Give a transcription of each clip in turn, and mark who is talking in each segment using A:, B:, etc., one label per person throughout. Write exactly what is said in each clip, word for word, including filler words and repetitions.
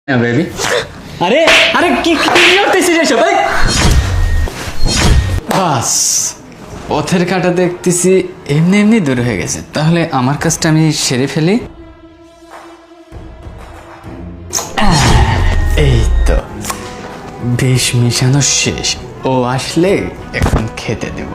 A: না বেবি। আরে আরে কি কি করতেছিস এসব? ভাই বাস পথের কাটা দেখতেছি এমনি এমনি দূর হয়ে গেছে, তাহলে আমার কাজটা আমি সেরে ফেলি। এই তো বিষ মিশানো শেষ, ও আসলে এখন খেতে দেব।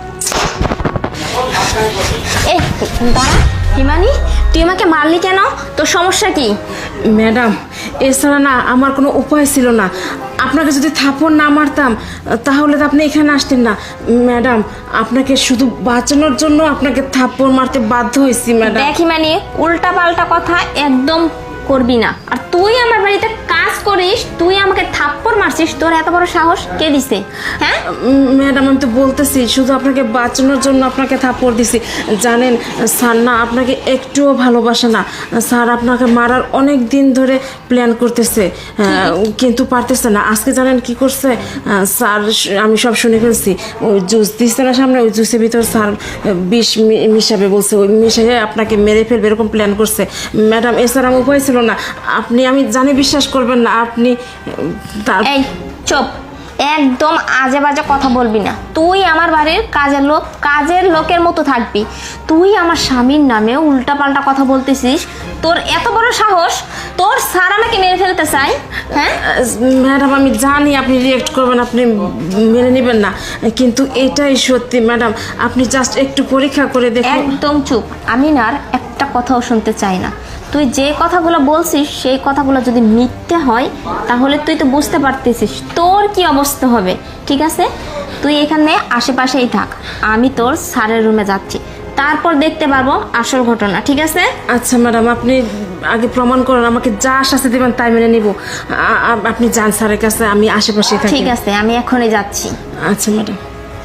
B: এ দাঁড়া হিমানি, তুই আমাকে মারলি কেন? তোর সমস্যা কি?
C: ম্যাডাম, এছাড়া না আমার কোনো উপায় ছিল না। আপনাকে যদি থাপ্পড় না মারতাম তাহলে তো আপনি এখানে আসতেন না। ম্যাডাম, আপনাকে শুধু বাঁচানোর জন্য আপনাকে থাপ্পড় মারতে বাধ্য হয়েছি ম্যাডাম।
B: দেখ হিমানি, উল্টা পাল্টা কথা একদম করবি না। আর তুই আমার বাড়িতে কাজ করিস, তুই আমাকে থাপ্পড় মারছিস, তোর এত বড় সাহস কে দিছে? হ্যাঁ
C: ম্যাডাম, আমি তো বলতেছি শুধু আপনাকে বাঁচানোর জন্য আপনাকে থাপ্পড় দিছি। জানেন স্যার না আপনাকে একটুও ভালোবাসে না। স্যার আপনাকে মারার অনেক দিন ধরে প্ল্যান করতেছে, কিন্তু পারতেছে না। আজকে জানেন কি করছে স্যার? আমি সব শুনে ফেলছি। ওই জুস দিচ্ছে না সামনে, ওই জুসের ভিতর স্যার বিষ মি- মিশাবে বলছে। ওই মিশিয়ে আপনাকে মেরে ফেলবে এরকম প্ল্যান করছে। ম্যাডাম, এছাড়া আমার উপায় ছিল না। আপনি, আমি জানি বিশ্বাস করবেন না আপনি তার
B: এই চুপ, একদম আজে বাজে কথা বলবি না। তুই আমার বাড়ির কাজের লোক, কাজের লোকের মতো থাকবি। তুই আমার স্বামীর নামে উল্টা পাল্টা কথা বলতেছিস। তোর এত বড় সাহস, তোর স্যার আমাকে মেরে ফেলতে চাই? হ্যাঁ
C: ম্যাডাম, আমি জানি আপনি রিয়েক্ট করবেন, আপনি মেনে নেবেন না, কিন্তু এটাই সত্যি ম্যাডাম। আপনি জাস্ট একটু পরীক্ষা করে দেখুন।
B: একদম চুপ, আমি না আর একটা কথাও শুনতে চাই না। তুই যে কথাগুলো বলছিস সেই কথাগুলো যদি মিথ্যে হয় তাহলে তুই তো বুঝতে পারতেছিস তোর কি অবস্থা হবে। ঠিক আছে, তুই এখানে আশেপাশেই থাক, আমি তোর স্যারের রুমে যাচ্ছি, তারপর দেখতে পারবো আসল ঘটনা। ঠিক আছে?
C: আচ্ছা ম্যাডাম, আপনি আগে প্রমাণ করেন, আমাকে যা শাস্তি দেবেন তাই মেনে নিব। আ- আ- আপনি যান স্যারের কাছে, আমি আশেপাশেই থাকি।
B: ঠিক আছে, আমি এখনই যাচ্ছি।
C: আচ্ছা ম্যাডাম।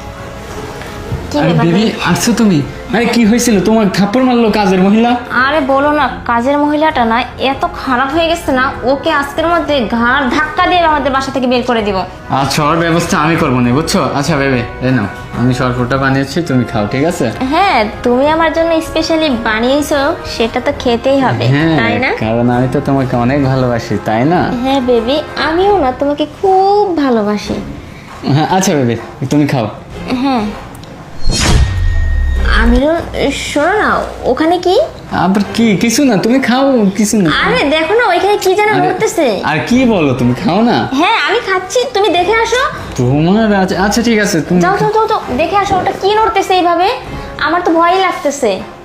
B: কি
A: আরে
B: ব্যাপার?
A: বেবি, আসছো তুমি? আরে কি হয়েছিল? তোমার থাপ্পড় মারলো কাজের মহিলা?
B: আরে বলো না, কাজের মহিলাটা না এত খারাপ হয়ে গেছে না, ওকে আজকের মধ্যে ঘাড় ধাক্কা দিয়ে আমাদের বাসা থেকে বের করে দিব।
A: আচ্ছা, ওর ব্যবস্থা আমি করবো না, বুঝছো? আচ্ছা বেবি, এই নাও, আমি শরবতটা বানিয়েছি, তুমি খাও, ঠিক আছে?
B: হ্যাঁ, তুমি আমার জন্য স্পেশালি বানিয়েছো, সেটা তো খেতেই হবে,
A: হ্যাঁ,
B: তাই না?
A: কারণ আমি তো তোমাকে অনেক ভালোবাসি, তাই না?
B: হ্যাঁ বেবি, আমিও না তোমাকে খুব ভালোবাসি।
A: হ্যাঁ আচ্ছা বেবি, তুমি খাও।
B: হ্যাঁ আমিরও, শোনো না, ওখানে কি?
A: আবার কি? কিছু না, তুমি খাও, কিছু না।
B: আরে দেখো না, ওইখানে কি যেন
A: আরে,
B: ঘটতেছে।
A: আর কি বলো, তুমি খাও না।
B: হ্যাঁ আমি খাচ্ছি, তুমি দেখে আসো।
A: তোমার আচ্ছা আচ্ছা ঠিক আছে, তুমি
B: যাও যাও যাও যাও, দেখে আসো ওটা কি নড়তেছে এইভাবে, আমার তো ভয়ই লাগতেছে।